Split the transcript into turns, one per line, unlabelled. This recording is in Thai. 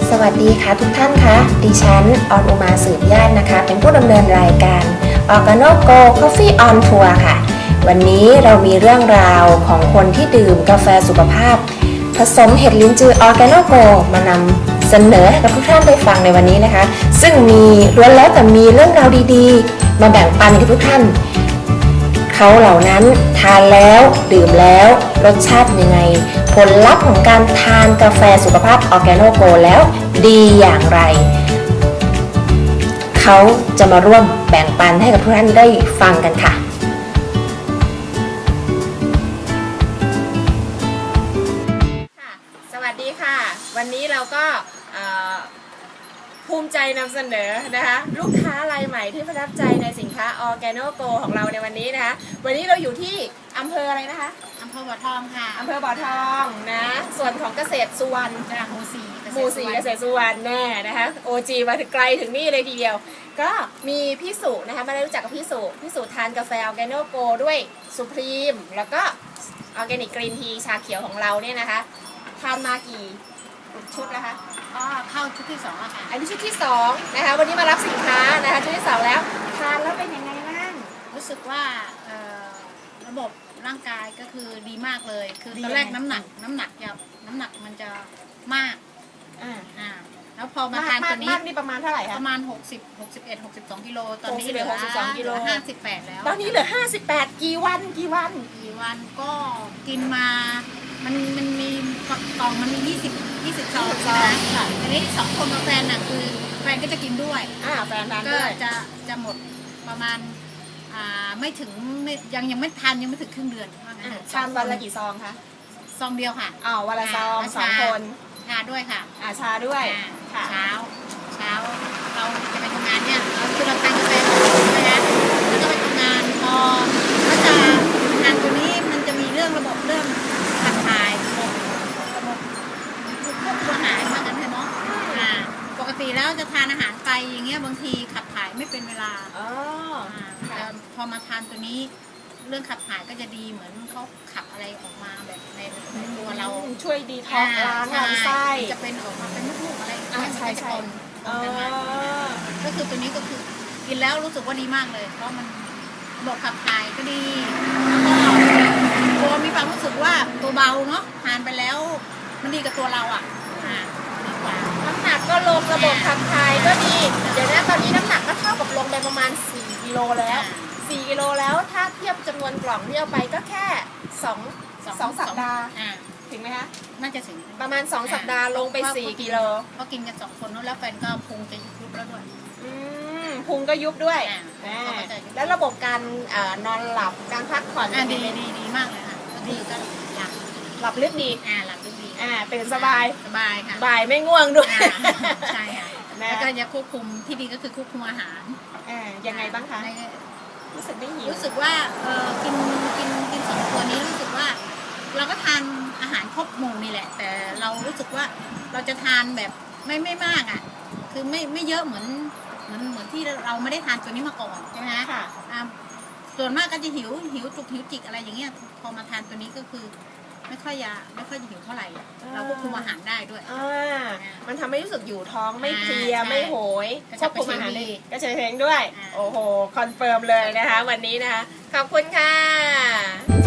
สวัสดีค่ะทุกท่านคะดิฉันออนอุมาสืบญาตินะคะเป็นผู้ดำเนินรายการ Organogo Coffee on Tour ค่ะวันนี้เรามีเรื่องราวของคนที่ดื่มกาแฟสุขภาพผสมเห็ดลิ้นจือ Organogo มานำเสนอให้กับทุกท่านได้ฟังในวันนี้นะคะซึ่งมีล้วนแล้วแต่มีเรื่องราวดีๆมาแบ่งปันกับทุกท่านเขาเหล่านั้นทานแล้วดื่มแล้วรสชาติยังไงผลลัพธ์ของการทานกาแฟสุขภาพ Organogo แล้วดีอย่างไรเขาจะมาร่วมแบ่งปันให้กับทุกท่านได้ฟังกันค่ะสวัสดีค่ะวันนี้เราก็ภูมิใจนำเสนอนะคะลูกค้ารายใหม่ที่ประทับใจในสินค้า Organogo ของเราในวันนี้นะคะวันนี้เราอยู่ที่อำเภออะไรนะคะ
อำเภอบ่อทองค่ะ
อำเภอบ่อทองนะส่วนของเกษตรสุวรรณ
หมู่สี่
เกษตรสุวรรณแน่นะคะ OG มาถึงไกลถึงนี่เลยทีเดียวก็มีพี่สุนะคะมาได้รู้จักกับพี่สุทานกาแฟ Organogo ด้วยสุพรีมแล้วก็ออร์แกนิกกรีนทีชาเขียวของเราเนี่ยนะคะทานมากี่ชุดนะคะ
เข้าชุดที่2แล้วค่ะ
อันนี้ชุดที่2นะคะวันนี้มารับสินค้านะคะชุดที่2แล้วทานแล้วเป็นยังไงบ้าง
รู้สึกว่าระบบร่างกายก็คือดีมากเลยคือตอนแรกน้ำหนักมันจะมากแล้วพอมาทานตัวนี้
นี่ประมาณเท่าไหร่คะ
ประมาณ62 กิโลตอนนี้เหลือ
62 กิโล
58แล้ว
ตอนนี้เหลือ58กี่วัน
ก็กินมามันมีกล่องมันมี20ซองนะอันนี้2คนกับแฟนน่ะคือแฟนก็จะกินด้วย
แฟนทาน
ก็
ด้วย
จะหมดประมาณไม่ถึงยังไม่ทานยังไม่ถึงครึ่งเดือน
ทานวันละกี่ซองคะ
ซองเดียวค่ะ
วันละซอง2 คน
ชาด้วยค่ะ
ชาด้วย
เช้าเราจะไปทำงานเนี่ยเราทานกาแฟใช่ไหมแล้วก็ไปทำงานพอก็จะทานตัวนี้มันจะมีเรื่องระบบเรื่องขับถ่ายระบบพวกอาหารเหมือนกันเนาะปกติแล้วจะทานอาหารไปอย่างเงี้ยบางทีขับถ่ายไม่เป็นเวลาแต่พอมาทานตัวนี้เรื่องขับถ่ายก็จะดีเหมือนเขาขับอะไรออกมาแบบในตัวเรา
ช่วยดีท็อกซ์ล้างลำไส้
จะเป็นออกมาเป็นลูกๆอะไรใช่ก็คือตัวนี้ก็คือกินแล้วรู้สึกว่าดีมากเลยเพราะมันระบบขับถ่ายก็ดีแล้วก็ตัวมีความรู้สึกว่าตัวเบาเนาะทานไปแล้วมันดีกับตัวเราดีกว่า
น้ำหนักก็ลงระบบขับถ่ายก็ดีเดี๋ยวนะตอนนี้น้ำหนักก็เท่ากับลงไปประมาณ4 กิโลแล้ว4 กิโลแล้วถ้าเทียบจำนวนกล่องที่เอาไปก็แค่2 สัปดาห์ถึงไหมคะ
น่าจะถึง
ประมาณ2 สัปดาห์ลงไป4 กิโล
ก็กินกัน2 คนแล้วแฟนก็พุงจะยุบแล้วด้วย
พุงก็ยุบด้วยแล้วระบบการนอนหลับการพักผ่อน
ดีมากเลยค่ะดีก็
หลับลึกดี
หลับลึกดี
ตื่นสบาย
ค่ะ
บ่ายไม่ง่วงด้วย
ใช่ค่ะแล้วก็จะควบคุมที่ดีก็คือควบคุมอาหาร
ยังไงบ้างคะรู้สึกไม่หิว
รู้สึกว่ากิน2 ตัวนี้รู้สึกว่าเราก็ทานอาหารครบหมู่นี่แหละแต่เรารู้สึกว่าเราจะทานแบบไม่มากคือไม่เยอะเหมือนที่เราไม่ได้ทานตัวนี้มาก่อนใช่ไหม
ค่ะ
ส่วนมากก็จะหิวจุกหิวจิกอะไรอย่างเงี้ยพอมาทานตัวนี้ก็คือไม่ค่อยจะหิวเท่าไหร่เราควบคุมอาหารได้ด้วย
มันทำให้รู้สึกอยู่ท้องไม่เพลียไม่โหยควบคุมอาหารได้ก็เฉยเพลงด้วยโอ้โหคอนเฟิร์มเลยนะคะวันนี้นะคะขอบคุณค่ะ